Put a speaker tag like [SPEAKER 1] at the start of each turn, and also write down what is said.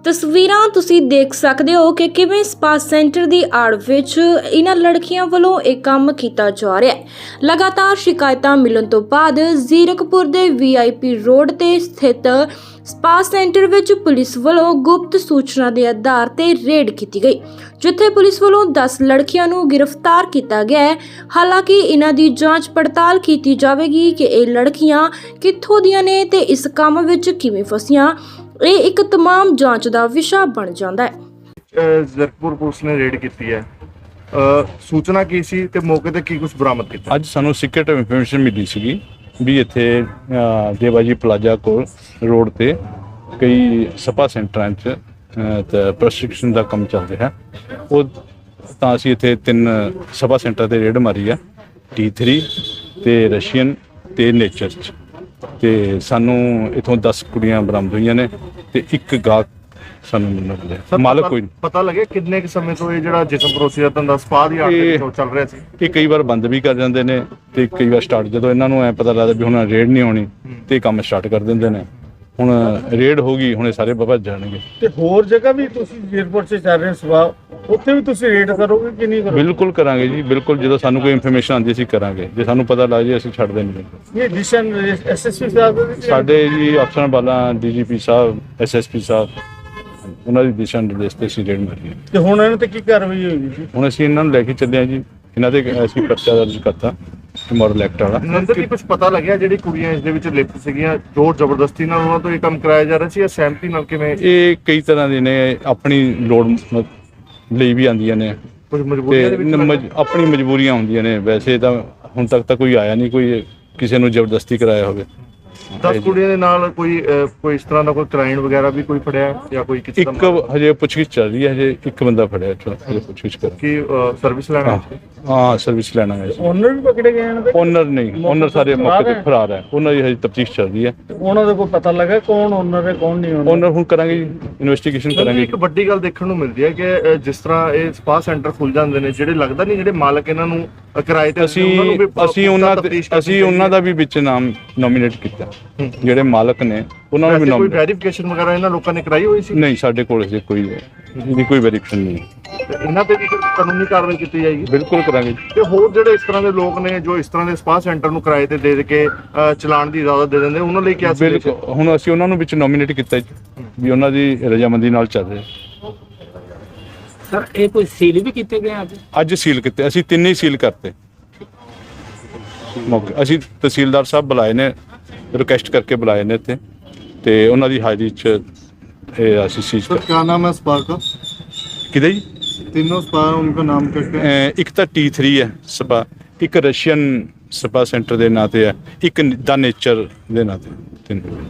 [SPEAKER 1] ਤਸਵੀਰਾਂ ਤੁਸੀਂ ਦੇਖ ਸਕਦੇ ਹੋ ਕਿ ਕਿਵੇਂ ਸਪਾ ਸੈਂਟਰ ਦੀ ਆੜ ਵਿੱਚ ਇਹਨਾਂ ਲੜਕੀਆਂ ਵੱਲੋਂ ਇਹ ਕੰਮ ਕੀਤਾ ਜਾ ਰਿਹਾ ਹੈ। ਲਗਾਤਾਰ ਸ਼ਿਕਾਇਤਾਂ ਮਿਲਣ ਤੋਂ ਬਾਅਦ ਜ਼ੀਰਕਪੁਰ ਦੇ VIP ਰੋਡ ਤੇ ਸਥਿਤ ਸਪਾ ਸੈਂਟਰ ਵਿੱਚ ਪੁਲਿਸ ਵੱਲੋਂ ਗੁਪਤ ਸੂਚਨਾ ਦੇ ਆਧਾਰ ਤੇ ਰੇਡ ਕੀਤੀ ਗਈ, ਜਿੱਥੇ ਪੁਲਿਸ ਵੱਲੋਂ 10 ਲੜਕੀਆਂ ਨੂੰ ਗ੍ਰਿਫਤਾਰ ਕੀਤਾ ਗਿਆ ਹੈ। ਹਾਲਾਂਕਿ ਇਹਨਾਂ ਦੀ ਜਾਂਚ ਪੜਤਾਲ ਕੀਤੀ ਜਾਵੇਗੀ ਕਿ ਇਹ ਲੜਕੀਆਂ ਕਿੱਥੋਂ ਦੀਆਂ ਨੇ ਤੇ ਇਸ ਕੰਮ ਵਿੱਚ ਕਿਵੇਂ ਫਸੀਆਂ। ਇਹ ਇੱਕ तमाम ਜਾਂਚ ਦਾ ਵਿਸ਼ਾ ਬਣ ਜਾਂਦਾ ਹੈ।
[SPEAKER 2] ਜ਼ੀਰਕਪੁਰ ਪੁਲਿਸ ਨੇ ਰੇਡ ਕੀਤੀ ਹੈ। ਸੂਚਨਾ ਕੀ ਸੀ ਤੇ ਮੌਕੇ ਤੇ ਕੀ ਕੁਝ ਬਰਾਮਦ ਕੀਤਾ?
[SPEAKER 3] ਅੱਜ ਸਾਨੂੰ ਸੀਕ੍ਰੇਟ ਇਨਫੋਰਮੇਸ਼ਨ ਮਿਲੀ ਸੀਗੀ ਵੀ ਇੱਥੇ ਦੇਵਾਜੀ ਪਲਾਜ਼ਾ ਕੋਲ ਰੋਡ ਤੇ ਕਈ ਸਪਾ ਸੈਂਟਰਾਂ 'ਚ ਤੇ ਪ੍ਰਸ਼ਿਕਸ਼ਨ ਦਾ ਕੰਮ ਚੱਲ ਰਿਹਾ। ਉਹ ਤਾਂ ਅਸੀਂ ਇੱਥੇ 3 ਸਪਾ ਸੈਂਟਰ ਤੇ ਰੇਡ ਮਾਰੀ ਆ, T3 ਤੇ ਰਸ਼ੀਅਨ ਤੇ ਨੇਚਰ 'ਚ, ਤੇ ਸਾਨੂੰ ਇਥੋਂ 10 ਕੁੜੀਆਂ ਬਰਾਮਦ ਹੋਈਆਂ ਨੇ ਤੇ ਇੱਕ ਗਾਹਕ ਸਾਨੂੰ ਮਿਲਿਆ। ਮਾਲਕ ਕੋਈ
[SPEAKER 2] ਪਤਾ ਲੱਗਿਆ ਕਿੰਨੇ ਕੁ ਸਮੇਂ ਤੋਂ ਇਹ ਜਿਹੜਾ ਜਿਸਮ ਪਰੋਸੀ ਦਾ ਧੰਦਾ ਸਪਾ ਦੀ ਆੜ ਦੇ ਵਿੱਚੋਂ ਚੱਲ ਰਿਹਾ ਸੀ?
[SPEAKER 3] ਇਹ ਕਈ ਵਾਰ ਬੰਦ ਵੀ ਕਰ ਜਾਂਦੇ ਨੇ ਤੇ ਕਈ ਵਾਰ ਸਟਾਰਟ, ਜਦੋਂ ਇਹਨਾਂ ਨੂੰ ਐ ਪਤਾ ਲੱਗਦਾ ਵੀ ਹੁਣ ਰੇਡ ਨਹੀਂ ਹੋਣੀ ਤੇ ਕੰਮ ਸਟਾਰਟ ਕਰ ਦਿੰਦੇ ਨੇ। ਹੁਣ ਰੇਡ ਹੋ ਗਈ, ਹੁਣ ਇਹ ਸਾਰੇ ਬਾਬਾ ਜਾਣਗੇ।
[SPEAKER 4] ਤੇ ਹੋਰ ਜਗ੍ਹਾ ਵੀ ਤੁਸੀਂ ਜ਼ੀਰਕਪੁਰ 'ਚ ਚੱਲ ਰਹੇ ਸਵਾ, ਉੱਥੇ ਵੀ ਤੁਸੀਂ ਰੇਡ ਕਰੋਗੇ ਕਿ ਨਹੀਂ ਕਰੋਗੇ?
[SPEAKER 3] ਬਿਲਕੁਲ ਕਰਾਂਗੇ ਜੀ, ਬਿਲਕੁਲ। ਜਦੋਂ ਸਾਨੂੰ ਕੋਈ ਇਨਫੋਰਮੇਸ਼ਨ ਆਉਂਦੀ ਅਸੀਂ ਕਰਾਂਗੇ, ਜੇ ਸਾਨੂੰ ਪਤਾ ਲੱਗ ਜੇ ਅਸੀਂ ਛੱਡਦੇ ਨਹੀਂ।
[SPEAKER 4] ਇਹ ਡਿਸ਼ਨ SSP ਸਾਹਿਬ ਦੇ ਵਿੱਚ
[SPEAKER 3] ਸਾਡੇ ਜੀ ਅਫਸਰਾਂ ਵਾਲਾ DGP ਸਾਹਿਬ, SSP ਸਾਹਿਬ, ਉਹਨਾਂ ਦੀ ਦਿਸ਼ਾ ਨਿਰਦੇਸ਼ ਤੇ ਅਸੀਂ ਰੇਡ ਮਾਰੀ ਹੈ।
[SPEAKER 4] ਤੇ ਹੁਣ ਇਹਨਾਂ ਤੇ ਕੀ ਕਾਰਵਾਈ ਹੋਈ ਜੀ?
[SPEAKER 3] ਹੁਣ ਅਸੀਂ ਇਹਨਾਂ ਨੂੰ ਲੈ ਕੇ ਚੱਲੇ ਹਾਂ ਜੀ, ਇਹਨਾਂ ਦੇ ਅਸੀਂ ਪਰਚਾ ਦਰਜ ਕਰਤਾ ਮਾਡਲ ਐਕਟ ਵਾਲਾ।
[SPEAKER 2] ਨੰਦਰ ਕੀ ਕੁਝ ਪਤਾ ਲੱਗਿਆ ਜਿਹੜੀ ਕੁੜੀਆਂ ਇਸ ਦੇ ਵਿੱਚ ਲਿਪਤ ਸੀਗੀਆਂ, ਜ਼ੋਰ ਜ਼ਬਰਦਸਤੀ ਨਾਲ ਉਹਨਾਂ ਤੋਂ ਇਹ ਕੰਮ ਕਰਾਇਆ ਜਾ ਰਿਹਾ ਸੀ ਜਾਂ ਸਹਿਮਤੀ ਨਾਲ? ਕਿਵੇਂ?
[SPEAKER 3] ਇਹ ਕਈ ਤਰ੍ਹਾਂ ਦੇ ਨੇ, ਆਪਣੀ ਲੋੜ ਲਈ ਵੀ ਆਉਂਦੀਆਂ ਨੇ
[SPEAKER 2] ਕੁਝ ਮਜਬੂਰੀਆਂ ਦੇ ਵਿੱਚ
[SPEAKER 3] ਆਪਣੀ ਮਜਬੂਰੀਆਂ ਹੁੰਦੀਆਂ ਨੇ। ਵੈਸੇ ਤਾਂ ਹੁਣ ਤੱਕ ਤਾਂ ਕੋਈ ਆਇਆ ਨਹੀਂ ਕੋਈ ਕਿਸੇ ਨੂੰ ਜ਼ਬਰਦਸਤੀ ਕਰਾਇਆ ਹੋਵੇ।
[SPEAKER 2] 10 ਕੁੜੀਆਂ ਦੇ ਨਾਲ ਕੋਈ ਇਸ ਤਰ੍ਹਾਂ ਦਾ ਕੋਈ ਕਲਾਇੰਟ ਵਗੈਰਾ ਵੀ ਕੋਈ ਫੜਿਆ ਜਾਂ ਕੋਈ ਕਿਸੇ ਦਾ?
[SPEAKER 3] ਇੱਕ ਹਜੇ ਪੁੱਛਗਿੱਛ ਚੱਲ ਰਹੀ ਹੈ, ਹਜੇ ਇੱਕ ਬੰਦਾ ਫੜਿਆ, ਹਜੇ ਪੁੱਛਗਿੱਛ ਕਰ।
[SPEAKER 2] ਕੀ ਸਰਵਿਸ ਲੈਣਾ?
[SPEAKER 3] ਹਾਂ, ਸਰਵਿਸ ਲੈਣਾ ਹੈ।
[SPEAKER 4] ਓਨਰ ਵੀ ਪਕੜੇ ਗਏ ਇਹਨਾਂ ਦੇ?
[SPEAKER 3] ਓਨਰ ਨਹੀਂ, ਓਨਰ ਸਾਰੇ ਮੌਕੇ ਤੇ ਫਰਾਰ ਹੈ। ਉਹਨਾਂ ਦੀ ਹਜੇ ਤਫਤੀਸ਼ ਚੱਲ ਰਹੀ ਹੈ।
[SPEAKER 4] ਉਹਨਾਂ ਦਾ ਕੋਈ ਪਤਾ ਲੱਗਾ ਕੌਣ ਓਨਰ ਹੈ ਕੌਣ ਨਹੀਂ
[SPEAKER 3] ਓਨਰ ਹੁਣ ਕਰਾਂਗੇ ਜੀ, ਇਨਵੈਸਟੀਗੇਸ਼ਨ ਕਰਾਂਗੇ।
[SPEAKER 2] ਇੱਕ ਵੱਡੀ ਗੱਲ ਦੇਖਣ ਨੂੰ ਮਿਲਦੀ ਹੈ ਕਿ ਜਿਸ ਤਰ੍ਹਾਂ ਇਹ ਸਪਾ ਸੈਂਟਰ ਖੁੱਲ ਜਾਂਦੇ ਨੇ, ਜਿਹੜੇ ਲੱਗਦਾ ਨਹੀਂ ਜਿਹੜੇ ਮਾਲਕ ਇਹਨਾਂ ਨੂੰ ਕਿਰਾਏ ਤੇ
[SPEAKER 3] ਅਸੀਂ ਉਹਨਾਂ ਦਾ ਵੀ ਵਿੱਚ ਨਾਮ ਨੋਮੀਨੇਟ ਕੀਤਾ, ਜਿਹੜੇ ਮਾਲਕ ਨੇ ਉਹਨਾਂ ਨੂੰ ਵੀ
[SPEAKER 2] ਕੋਈ ਵੈਰੀਫਿਕੇਸ਼ਨ ਵਗੈਰਾ ਇਹਨਾਂ ਲੋਕਾਂ ਨੇ ਕਰਾਈ ਹੋਈ ਸੀ?
[SPEAKER 3] ਨਹੀਂ, ਸਾਡੇ ਕੋਲ ਹਜੇ ਕੋਈ ਵੈਰੀਫਿਕੇਸ਼ਨ ਨਹੀਂ।
[SPEAKER 2] ਇਹਨਾਂ ਤੇ ਵੀ ਕਾਨੂੰਨੀ ਕਾਰਵਾਈ ਕੀਤੀ ਜਾਏਗੀ?
[SPEAKER 3] ਬਿਲਕੁਲ ਕਰਾਂਗੇ।
[SPEAKER 2] ਤੇ ਹੋਰ ਜਿਹੜੇ ਇਸ ਤਰ੍ਹਾਂ ਦੇ ਲੋਕ ਨੇ ਜੋ ਇਸ ਤਰ੍ਹਾਂ ਦੇ ਸਪਾ ਸੈਂਟਰ ਨੂੰ ਕਿਰਾਏ ਤੇ ਦੇ ਕੇ ਚਲਾਉਣ ਦੀ ਇਜਾਜ਼ਤ ਦੇ ਦਿੰਦੇ, ਉਹਨਾਂ ਲਈ ਕੀ?
[SPEAKER 3] ਬਿਲਕੁਲ, ਹੁਣ ਅਸੀਂ ਉਹਨਾਂ ਨੂੰ ਵਿੱਚ ਨੋਮੀਨੇਟ ਕੀਤਾ ਵੀ ਉਹਨਾਂ ਦੀ ਰਜਾਮੰਦੀ ਨਾਲ ਚੱਲ ਰਿਹਾ।
[SPEAKER 5] ਸਰ ਇਹ ਕੋਈ ਸੀਲ ਵੀ ਕੀਤੇ ਗਏ
[SPEAKER 3] ਅੱਜ ਸੀਲ ਕੀਤੇ, ਅਸੀਂ 3 ਹੀ ਸੀਲ ਕਰਤੇ ਮੌਕੇ। ਅਸੀਂ ਤਹਿਸੀਲਦਾਰ ਸਾਹਿਬ ਬੁਲਾਏ ਨੇ, ਰਿਕੁਐਸਟ ਕਰਕੇ ਬੁਲਾਏ ਨੇ ਇੱਥੇ, ਤੇ ਉਹਨਾਂ ਦੀ ਹਾਜ਼ਰੀ 'ਚ ਇਹ ਅਸੀਂ ਸੀਜ਼ ਕਰ।
[SPEAKER 4] क्या नाम है स्पा का?
[SPEAKER 3] ਕਿਹਦੇ ਜੀ?
[SPEAKER 4] तीनों स्पा उनका नाम क्या?
[SPEAKER 3] ਇੱਕ ਤਾਂ T3 ਹੈ ਸਪਾ, ਇੱਕ ਰਸ਼ੀਅਨ ਸਪਾ ਸੈਂਟਰ ਦੇ ਨਾਂ ਤੇ ਹੈ, ਇੱਕ ਦਾ ਨੇਚਰ ਦੇ ਨਾਂ ਤੇ। 3